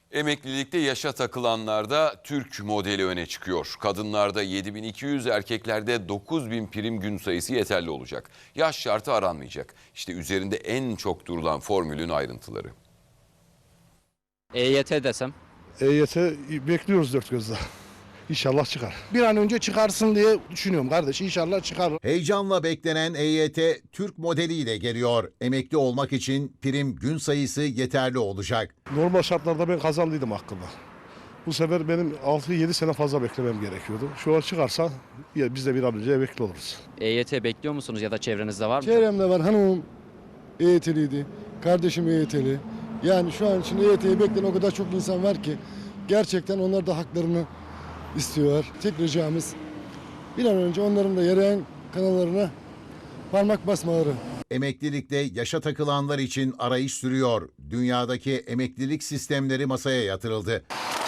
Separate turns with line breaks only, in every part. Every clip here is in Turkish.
Emeklilikte yaşa takılanlarda Türk modeli öne çıkıyor. Kadınlarda 7.200, erkeklerde 9.000 prim gün sayısı yeterli olacak. Yaş şartı aranmayacak. İşte üzerinde en çok durulan formülün ayrıntıları.
EYT desem?
EYT bekliyoruz dört gözle. İnşallah çıkar. Bir an önce çıkarsın diye düşünüyorum kardeş. İnşallah çıkar.
Heyecanla beklenen EYT Türk modeliyle geliyor. Emekli olmak için prim gün sayısı yeterli olacak.
Normal şartlarda ben kazandıydım hakkında. Bu sefer benim 6-7 sene fazla beklemem gerekiyordu. Şu an çıkarsa biz de bir an önce emekli oluruz.
EYT bekliyor musunuz ya da çevrenizde var mı?
Çevremde var, hanımım EYT'liydi, kardeşim EYT'li. Yani şu an için EYT'yi bekleyen o kadar çok insan var ki gerçekten onlar da haklarını istiyorlar. Tek ricamız bir an önce onların da yarayan kanallarına parmak basmaları.
Emeklilikte yaşa takılanlar için arayış sürüyor. Dünyadaki emeklilik sistemleri masaya yatırıldı.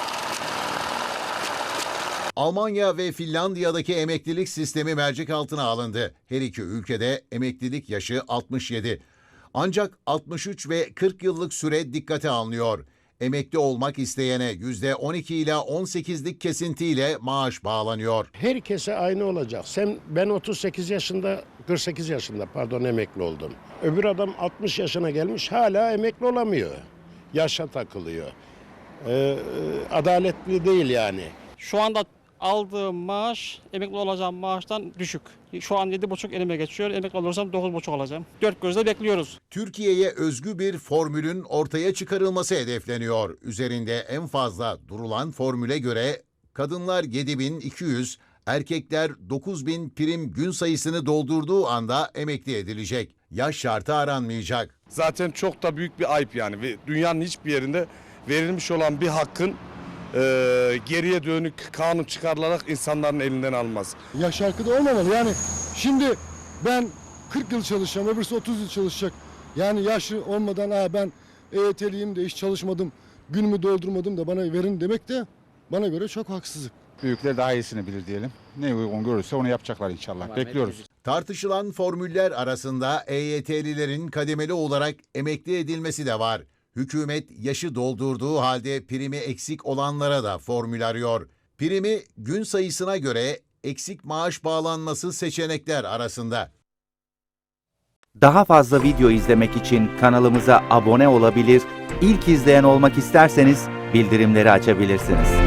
Almanya ve Finlandiya'daki emeklilik sistemi mercek altına alındı. Her iki ülkede emeklilik yaşı 67. Ancak 63 ve 40 yıllık süre dikkate alınıyor. Emekli olmak isteyene %12 ile 18'lik kesintiyle maaş bağlanıyor.
Herkese aynı olacak. Ben 48 yaşında emekli oldum. Öbür adam 60 yaşına gelmiş hala emekli olamıyor. Yaşa takılıyor. Adaletli değil yani.
Şu anda aldığım maaş emekli olacağım maaştan düşük. Şu an 7,5 elime geçiyor. Emekli olursam 9,5 alacağım. Dört gözle bekliyoruz.
Türkiye'ye özgü bir formülün ortaya çıkarılması hedefleniyor. Üzerinde en fazla durulan formüle göre kadınlar 7.200, erkekler 9.000 prim gün sayısını doldurduğu anda emekli edilecek. Yaş şartı aranmayacak.
Zaten çok da büyük bir ayıp yani. Ve dünyanın hiçbir yerinde verilmiş olan bir hakkın geriye dönük kanun çıkarılarak insanların elinden almaz.
Yaş şarkı da olmamalı. Yani şimdi ben 40 yıl çalışacağım, öbürsü 30 yıl çalışacak. Yani yaşı olmadan ben EYT'liyim de hiç çalışmadım, günümü doldurmadım da bana verin demek de bana göre çok haksızlık.
Büyükler daha iyisini bilir diyelim. Ne uygun görürse onu yapacaklar inşallah. Bekliyoruz.
Tartışılan formüller arasında EYT'lilerin kademeli olarak emekli edilmesi de var. Hükümet yaşı doldurduğu halde primi eksik olanlara da formül arıyor. Primi gün sayısına göre eksik maaş bağlanması seçenekler arasında.
Daha fazla video izlemek için kanalımıza abone olabilir, ilk izleyen olmak isterseniz bildirimleri açabilirsiniz.